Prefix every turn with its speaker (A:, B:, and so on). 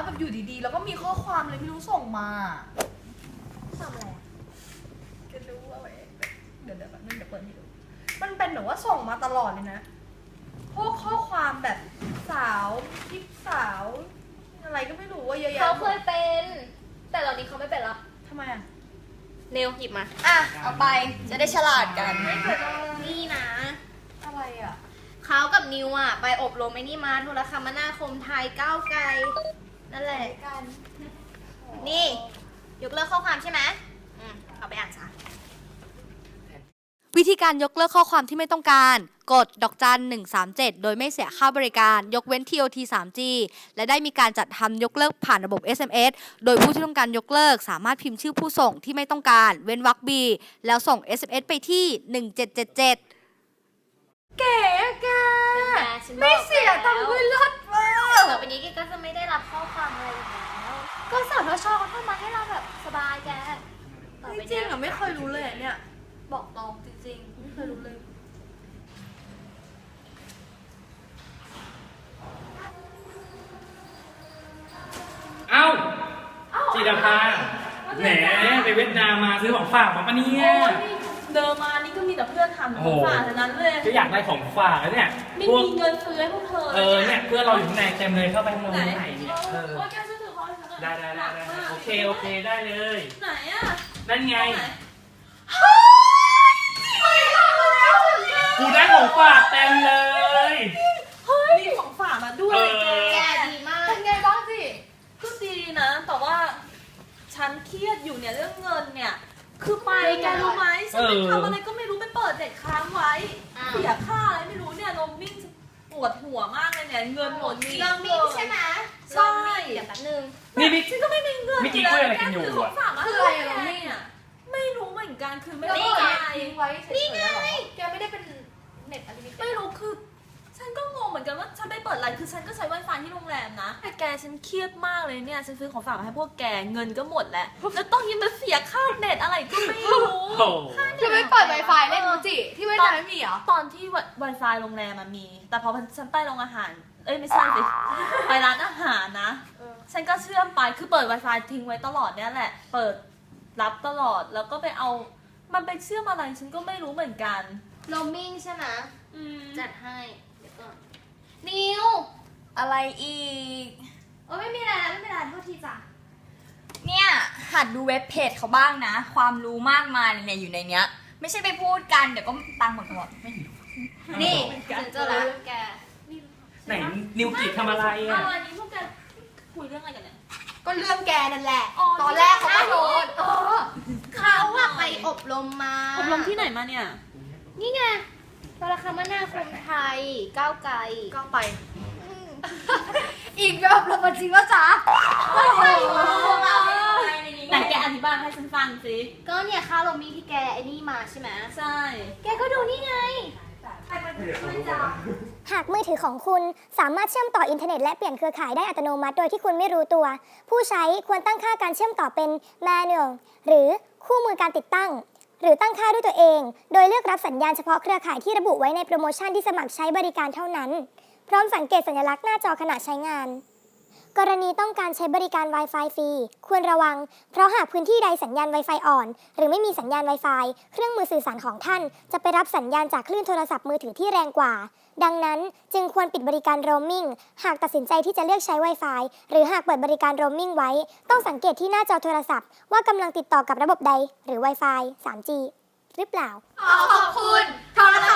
A: แบบอยู่ดีๆแล้วก็มีข้อความเลยไม่รู้ส่งมา
B: ทำอะไร
A: จะรู้ว่าเดี๋ยวแบบนึงเดี๋ยวเปิดให้ดูมันเป็นแบบว่าส่งมาตลอดเลยนะพวกข้อความแบบสาวคลิปสาวอะไรก็ไม่รู้ว่าเยอะแยะ
B: เขาเคยเป็นแต่ตอนนี้เขาไม่เป็นแล้ว
A: ทำไมอ่ะ
B: เนวหยิบมา
C: เอาไปจะได้ฉลาดกัน
B: นี่นะ
A: อะไรอ่ะ
B: เขากับนิวอ่ะไปอบรมไอ้นี่มาโทรคมนาคมไทยก้าวไกลนั่นแหละ
A: กัน
B: นี่ยกเลิกข้อความใช่ไหมเอาไปอ่านซะ
D: วิธีการยกเลิกข้อความที่ไม่ต้องการกดดอกจัน137โดยไม่เสียค่าบริการยกเว้น TOT 3G และได้มีการจัดทำยกเลิกผ่านระบบ SMS โดยผู้ที่ต้องการยกเลิกสามารถพิมพ์ชื่อผู้ส่งที่ไม่ต้องการเว้นวรรค B แล้วส่ง SMS ไปที่1777
A: เก๋แกไม่เสียตังค์ด้วยรถมาก
B: ต่อไปนี้แกก็จะไม่ได้รับข้อความอะไรอีกแล้วก็สทชเขาทำมาให้เราแบบสบายแก
A: จริงอ่ะไม่เคยรู้เลยเนี่ยบอกตรงจริงๆไม่เคยรู้เลย
E: เอ้าจิตรภาแหมไปเวียดนามมาซื้อของฝากมาปะเนี่ย
A: เดินมานี่ก็มีแต่เพื่อนทำของฝากทั้งนั้นเลย
E: ก็อยากได้ของฝากแล้วเนี่ย
A: ไม่มีเงินซื้อให้พวกเธอ
E: เนี่ยเพื่อนเราอยู่ข้างในเต็มเลยเข้าไปข้างในไหนเนี่ย
A: โอ้ยแกซื้อถือเขา
E: ได้โอเคได้เลย
A: ไหนอ่ะ
E: นั่นไงกูได้ของฝากเต็มเลย
A: เฮ้ยมีของฝากมาด้วย
B: แกดีมาก
A: เป็นไงบ้างสิก็ดีนะแต่ว่าฉันเครียดอยู่เนี่ยเรื่องเงินเนี่ยคือไปแกรู้ไหมฉันไปทำอะไรก็ไม่รู้ไปเปิดเด็กค้างไว้เสียค่าอะไรไม่รู้เนี่ยลมวิ่งปวดหัวมากเลยเนี่ยเงินหมดนี่
B: ลมวิ่งใช่ไหม
A: ใช่
B: เดี๋ยวแป๊บนึง
E: นี่
A: ฉันก็ไม่มีเงิน
E: เมื่อกี้คุยอะไรกันอยู่อ่ะ
A: คืออะไรลมวิ่งอ่ะไม่รู้เหมือนกันคือไม่ได้อะไรไว้
B: นี่ไง
A: แกไม่ได้เป็นเน็ตอะไรไม่รู้คือฉันก็งงเหมือนกันว่าฉันไปเปิดอะไรคือฉันก็ใช้ Wi-Fi ที่โรงแรมนะแต่แกฉันเครียดมากเลยเนี่ยฉันซื้อของฝากมาให้พวกแกเงินก็หมดแล้วแล้วต้องยังมาเสียค่าเน็ตอะไรก็ไม่รู้
C: จะไม่เปิด Wi-Fi เล่นมูจิที่เวียดนามไม่มีเหรอ
A: ตอนที่ Wi-Fi โรงแรมมันมีแต่พอฉันไปโรงอาหารไม่ใช่สิไปร้านอาหารนะฉันก็เชื่อมไปคือเปิด Wi-Fi ทิ้งไว้ตลอดเนี่ยแหละเปิดรับตลอดแล้วก็ไปเอามันไปเชื่อมอะไรฉันก็ไม่รู้เหมือนกัน
B: โรมมิ่งใช่ไหมจัดให้เดี๋ยวก่อนนิว
C: อะไรอีก
B: ไม่มีอะไรไม่เป็นไรโทษทีจ้ะ
C: เนี่ยหัดดูเว็บเพจเขาบ้างนะความรู้มากมายเนี่ยอยู่ในเนี้ยไม่ใช่ไปพูดกันเดี๋ยวก็ตังค์หมดไม่
B: นี่ฉันเจอแล้วแก
E: ไหนนิวกิทำอะไรอ่ะ
A: วันนี้พวกแกคุยเรื่องอะไรกันเนี่ย
C: ก็เรื่องแกนั่นแหละตอนแรกเขาก็โดน
B: เขาอะไปอบรมมา
A: อบรมที่ไหนมาเนี่ย
B: นี่ไงโทรคมนาคมไทยก้าวไกล
A: ก็ไป
C: อีกแบบเราจริงว่าจ๊ะ
A: ไหนแกอธิบายให้ฉันฟังสิ
B: ก็เนี่ยค่าโรมมิ่งที่แกไอ้นี่มาใช่ไหม
A: ใช่
B: แกก็ดูนี่ไง
F: หากมือถือของคุณสามารถเชื่อมต่ออินเทอร์เน็ตและเปลี่ยนเครือข่ายได้อัตโนมัติโดยที่คุณไม่รู้ตัวผู้ใช้ควรตั้งค่าการเชื่อมต่อเป็น manual หรือคู่มือการติดตั้งหรือตั้งค่าด้วยตัวเองโดยเลือกรับสัญญาณเฉพาะเครือข่ายที่ระบุไว้ในโปรโมชั่นที่สมัครใช้บริการเท่านั้นพร้อมสังเกตสัญลักษณ์หน้าจอขณะใช้งานกรณีต้องการใช้บริการ Wi-Fi ฟรีควรระวังเพราะหากพื้นที่ใดสัญญาณ Wi-Fi อ่อนหรือไม่มีสัญญาณ Wi-Fi เครื่องมือสื่อสารของท่านจะไปรับสัญญาณจากคลื่นโทรศัพท์มือถือที่แรงกว่าดังนั้นจึงควรปิดบริการ roaming หากตัดสินใจที่จะเลือกใช้ Wi-Fi หรือหากเปิดบริการ roaming ไว้ต้องสังเกตที่หน้าจอโทรศัพท์ว่ากำลังติดต่อกับระบบใดหรือ Wi-Fi 3G หรือเปล่า
C: ขอบคุณโทรค